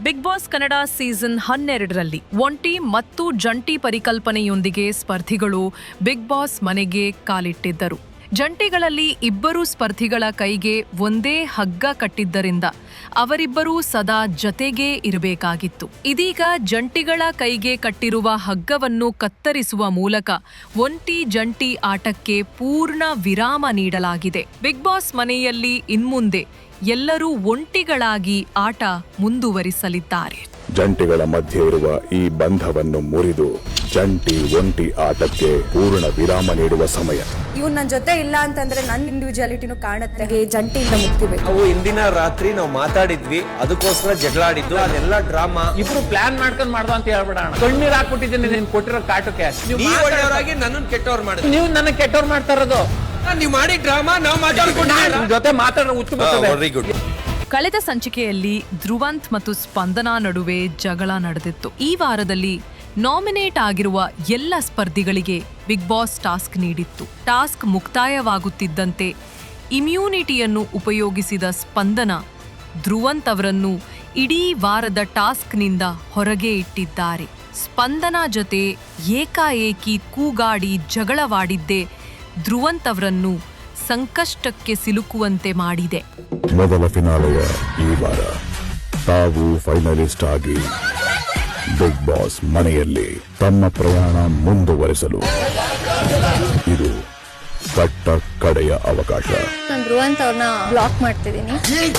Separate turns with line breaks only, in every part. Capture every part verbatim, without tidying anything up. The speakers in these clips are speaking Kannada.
ಬಿಗ್ ಬಾಸ್ ಕನ್ನಡ ಸೀಸನ್ ಹನ್ನೆರಡರಲ್ಲಿ ಒಂಟಿ ಮತ್ತು ಜಂಟಿ ಪರಿಕಲ್ಪನೆಯೊಂದಿಗೆ ಸ್ಪರ್ಧಿಗಳು ಬಿಗ್ ಬಾಸ್ ಮನೆಗೆ ಕಾಲಿಟ್ಟಿದ್ದರು. ಜಂಟಿಗಳಲ್ಲಿ ಇಬ್ಬರು ಸ್ಪರ್ಧಿಗಳ ಕೈಗೆ ಒಂದೇ ಹಗ್ಗ ಕಟ್ಟಿದ್ದರಿಂದ ಅವರಿಬ್ಬರೂ ಸದಾ ಜತೆಗೇ ಇರಬೇಕಾಗಿತ್ತು. ಇದೀಗ ಜಂಟಿಗಳ ಕೈಗೆ ಕಟ್ಟಿರುವ ಹಗ್ಗವನ್ನು ಕತ್ತರಿಸುವ ಮೂಲಕ ಒಂಟಿ ಜಂಟಿ ಆಟಕ್ಕೆ ಪೂರ್ಣ ವಿರಾಮ ನೀಡಲಾಗಿದೆ. ಬಿಗ್ ಬಾಸ್ ಮನೆಯಲ್ಲಿ ಇನ್ಮುಂದೆ ಎಲ್ಲರೂ ಒಂಟಿಗಳಾಗಿ ಆಟ ಮುಂದುವರಿಸಲಿದ್ದಾರೆ.
ಜಂಟಿಗಳ ಮಧ್ಯೆ ಇರುವ ಈ ಬಂಧವನ್ನು ಮುರಿದು ಜಂಟಿ ಒಂಟಿ ಆಟಕ್ಕೆ ಪೂರ್ಣ ವಿರಾಮ ನೀಡುವ ಸಮಯ.
ಇವ್ನು ನನ್ನ ಜೊತೆ ಇಲ್ಲ ಅಂತಂದ್ರೆ ನನ್ನ ಇಂಡಿವಿಜುವಾಲಿಟಿನೂ ಕಾಣುತ್ತೆ. ಜಂಟಿಯಿಂದ ಮುಕ್ತಿಬೇಕು.
ನಾವು ಇಂದಿನ ರಾತ್ರಿ ನಾವು ಮಾತಾಡಿದ್ವಿ, ಅದಕ್ಕೋಸ್ಕರ ಜಗಳ ಆಡಿದ್ದು, ಅದೆಲ್ಲ ಡ್ರಾಮಾ.
ಇಬ್ರು ಪ್ಲಾನ್ ಮಾಡ್ಕೊಂಡ್ ಮಾಡ್ದ ಅಂತ ಹೇಳ್ಬಿಡೋಣ. ಕಣ್ಣೀರ್ ಹಾಕ್ಬಿಟ್ಟಿದ್ದೀನಿ ನೀನ್ ಕೊಟ್ಟಿರೋ ಕಾಟಕ್ಕೆ.
ಒಳ್ಳೆಯವರಾಗಿ ನನ್ನನ್ನು ಕೆಟ್ಟವ್ರು ಮಾಡಿದ್ರು.
ನೀವು ನನ್ನ ಕೆಟ್ಟವ್ರು ಮಾಡ್ತಾ ಇರೋದು.
ನೀವು ಮಾಡಿ ಡ್ರಾಮಾ, ನಾವು ಮಾತಾಡ್ಕೊಂಡು
ಜೊತೆ ಮಾತಾಡೋ ಹುಚ್ಚು
ವೆರಿ ಗುಡ್.
ಕಳೆದ ಸಂಚಿಕೆಯಲ್ಲಿ ಧ್ರುವಂತ್ ಮತ್ತು ಸ್ಪಂದನಾ ನಡುವೆ ಜಗಳ ನಡೆದಿತ್ತು. ಈ ವಾರದಲ್ಲಿ ನಾಮಿನೇಟ್ ಆಗಿರುವ ಎಲ್ಲ ಸ್ಪರ್ಧಿಗಳಿಗೆ ಬಿಗ್ ಬಾಸ್ ಟಾಸ್ಕ್ ನೀಡಿತ್ತು. ಟಾಸ್ಕ್ ಮುಕ್ತಾಯವಾಗುತ್ತಿದ್ದಂತೆ ಇಮ್ಯುನಿಟಿಯನ್ನು ಉಪಯೋಗಿಸಿದ ಸ್ಪಂದನಾ ಧ್ರುವಂತ್ ಅವರನ್ನು ಇಡೀ ವಾರದ ಟಾಸ್ಕ್ನಿಂದ ಹೊರಗೆ ಇಟ್ಟಿದ್ದಾರೆ. ಸ್ಪಂದನಾ ಜೊತೆ ಏಕಾಏಕಿ ಕೂಗಾಡಿ ಜಗಳವಾಡಿದ್ದೇ ಧ್ರುವಂತ್ ಅವರನ್ನು ಸಂಕಷ್ಟಕ್ಕೆ ಸಿಲುಕುವಂತೆ ಮಾಡಿದೆ.
ಮೊದಲ ಫಿನಾಲೆಯ ಈ ವಾರ ತಾವು ಫೈನಲಿಸ್ಟ್ ಆಗಿ ಬಿಗ್ ಬಾಸ್ ಮನೆಯಲ್ಲಿ ತಮ್ಮ ಪ್ರಯಾಣ ಮುಂದುವರಿಸಲು ಇದು ಕಟ್ಟ ಕಡೆಯ ಅವಕಾಶ.
ನಾನು ಧ್ರುವಂತ್ ಅವ್ರನ್ನ ಬ್ಲಾಕ್ ಮಾಡ್ತಿದ್ದೀನಿ.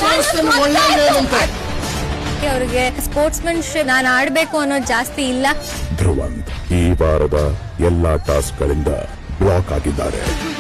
ಅವ್ರಿಗೆ ಸ್ಪೋರ್ಟ್ಸ್ಮನ್ಶಿಪ್ ನಾನು ಆಡ್ಬೇಕು ಅನ್ನೋದು ಜಾಸ್ತಿ ಇಲ್ಲ.
ಧ್ರುವಂತ್ ಈ ವಾರದ ಎಲ್ಲಾ ಟಾಸ್ಕ್ಗಳಿಂದ ಬ್ಲಾಕ್ ಆಗಿದ್ದಾರೆ.